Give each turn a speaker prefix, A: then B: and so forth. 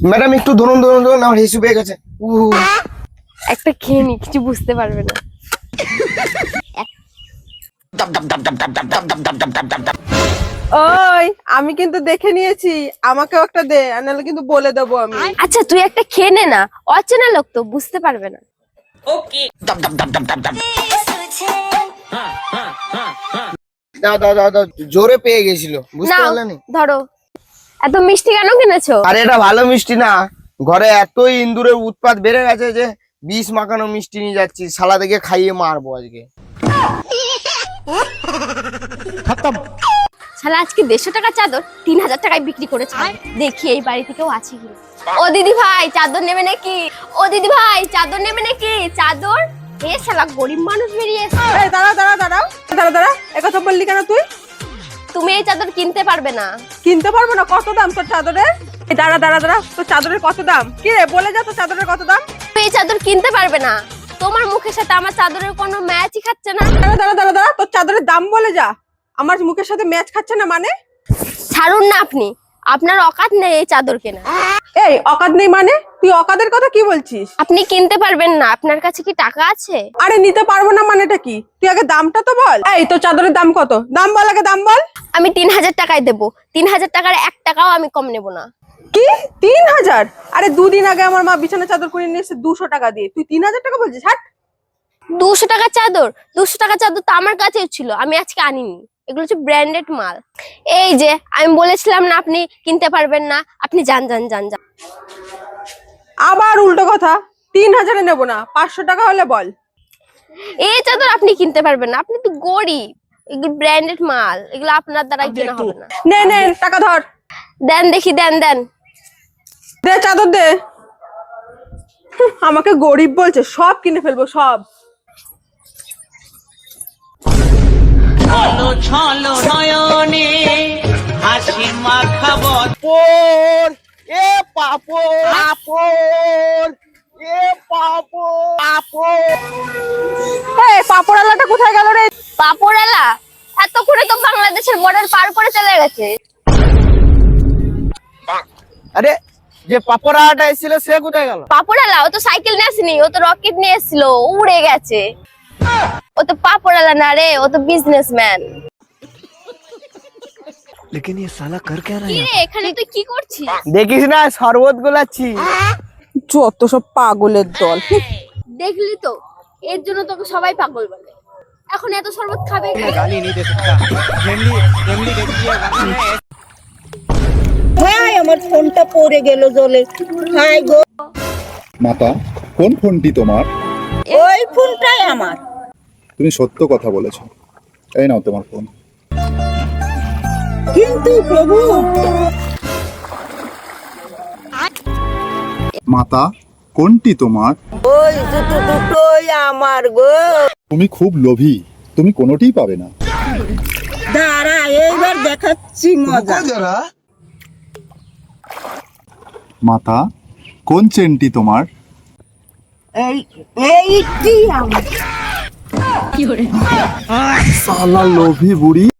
A: Madam একটু ধরুন ধরুন ধরুন, আমার হিসু পেয়ে গেছে।
B: একটা খেয়ে নি, কিছু বুঝতে পারবে না।
C: ওই আমি কিন্তু দেখে নিয়েছি, আমাকেও একটা দে, আর নাহলে কিন্তু বলে দেবো আমি।
B: আচ্ছা তুই একটা খেয়ে নে না, অচেনা লোক তো, বুঝতে পারবে না।
A: দাও দাও দাও দাও, জোরে পেয়ে গেছিল, বুঝতে
B: নাও,
A: পারলেন?
B: ধরো। এত মিষ্টি কেন কিনেছো?
A: আরে এটা ভালো মিষ্টি না, ঘরে এতই ইন্দুরের উৎপাত বেড়ে গেছে যে বিষ মাখানো মিষ্টি নিয়ে যাচ্ছি, শালা থেকে খাইয়ে মারবো আজকে।
B: শালা আজকে 150 টাকা চাদর 3000 টাকায় বিক্রি করেছে। দেখি এই বাড়ি থেকেও আছে কি। ও দিদি ভাই চাদর নেবে নাকি? ও দিদি ভাই চাদর নেবে নাকি? চাদর? এ শালা গরিব মানুষ বেরিয়ে এসেছে।
C: এই দাঁড়া দাঁড়া দাঁড়াও, দাঁড়া দাঁড়া, একথা বললি কেন তুই?
B: তুমি এই চাদর কিনতে পারবে না।
C: কিনতে পারবো না? কত দাম তোর চাদরের? এই দাঁড়া দাঁড়া দাঁড়া, তোর চাদরের কত দাম? কি রে, বলে যা তোর চাদরের কত দাম।
B: তুমি এই চাদর কিনতে পারবে না। তোমার মুখের সাথে আমার চাদরের কোনো ম্যাচই খাচ্ছে না।
C: দাঁড়া দাঁড়া দাঁড়া দাঁড়া, তোর চাদরের দাম বলে যা। আমার মুখের সাথে ম্যাচ খাচ্ছে না মানে?
B: ছাড়ুন না আপনি, আপনার অকাত নেই এই চাদর কেনা।
C: এই অকাদ নেই মানে? তুই অকাদের কথা কি বলছিস?
B: আপনি কিনতে পারবেন না, আপনার কাছে কি টাকা আছে?
C: আরে নিতে পারবো না মানেটা কি? তুই আগে দামটা তো বল। এই তোর চাদরের দাম কত? দাম বল আগে, দাম বল।
B: আমি 3000 টাকায় দেবো। 3000 টাকার 1 টাকাও আমি কম নেব না।
C: কি 3000? আরে দুদিন আগে আমার মা বিছানা চাদর কিনে নিয়ে এসেছে 200 টাকা দিয়ে, তুই 3000 টাকা বলছিস? হাট।
B: 200 টাকা চাদর? 200 টাকা চাদর তো আমার কাছেও ছিল, আমি আজকে আনিনি। এগুলো হচ্ছে ব্র্যান্ডেড মাল। এই যে আমি বলেছিলাম না আপনি কিনতে পারবেন না, আপনি যান যান যান যান।
C: আবার উল্টো কথা, 3000-এ নেবো না, 500 টাকা হলে বল।
B: এই চাদর আপনি কিনতে পারবেন না, আপনি তো গরিব। এগুলো ব্র্যান্ডেড মাল, এগুলো আপনার দ্বারা কেনা হবে না।
C: নে নে টাকা ধর,
B: দেন দেখি, দেন দেন।
C: দে চাদর দে। আমাকে গরিব বলছে, সব কিনে ফেলবো সব।
D: ছলো ছলো নয়নে হাসি মাখাবো।
A: পাপড়, এ পাপড়, পাপড়, এ পাপড়, পাপড়।
C: এই পাপড়ালাটা কোথায় গেল রে?
B: পাপড়ালা এতক্ষণে তো বাংলাদেশের বর্ডার পার করে চলে গেছে।
A: আরে যে পাপড়াটা এসেছিল সে কোথায় গেল?
B: পাপড়ালা ও তো সাইকেল নিয়ে আসেনি, ও তো রকেট নিয়ে এসেছিল, উড়ে গেছে। ও তো পাপড়ালা না রে, ও তো বিজনেসম্যান।
E: लेकिन ये साला कर क्या रहा
B: কি
E: है?
B: রে, এখানে তুই কি করছিস?
A: দেখিস না শরবত গোলাচ্ছি।
C: যত সব পাগলের দল।
B: দেখলি তো, এর জন্য তোকে সবাই পাগল বলে। এখন এত শরবত খাবে কে?
E: गाली नहीं दे सकता। फैमिली फैमिली देखती है गाना है।
F: হাই, আমার ফোনটা পড়ে গেল জলে। হাই গো,
G: মাতা, কোন ফোনটি তোমার?
F: ওই ফোনটাই আমার।
G: তুমি সত্য কথা বলেছো। এই নাও তোমার ফোন।
F: কিন্তু প্রভু,
G: মাতা, কোনটি তোমার?
F: ওই দুটো দুটোই আমার গো।
G: তুমি খুব লোভী, তুমি কোনোটিই পাবে না।
F: দাঁড়া, এইবার দেখাচ্ছি মজা।
G: মাতা, কোন চেনটি তোমার?
F: এই এইটি আমার।
G: সালা লোভী বুড়ি।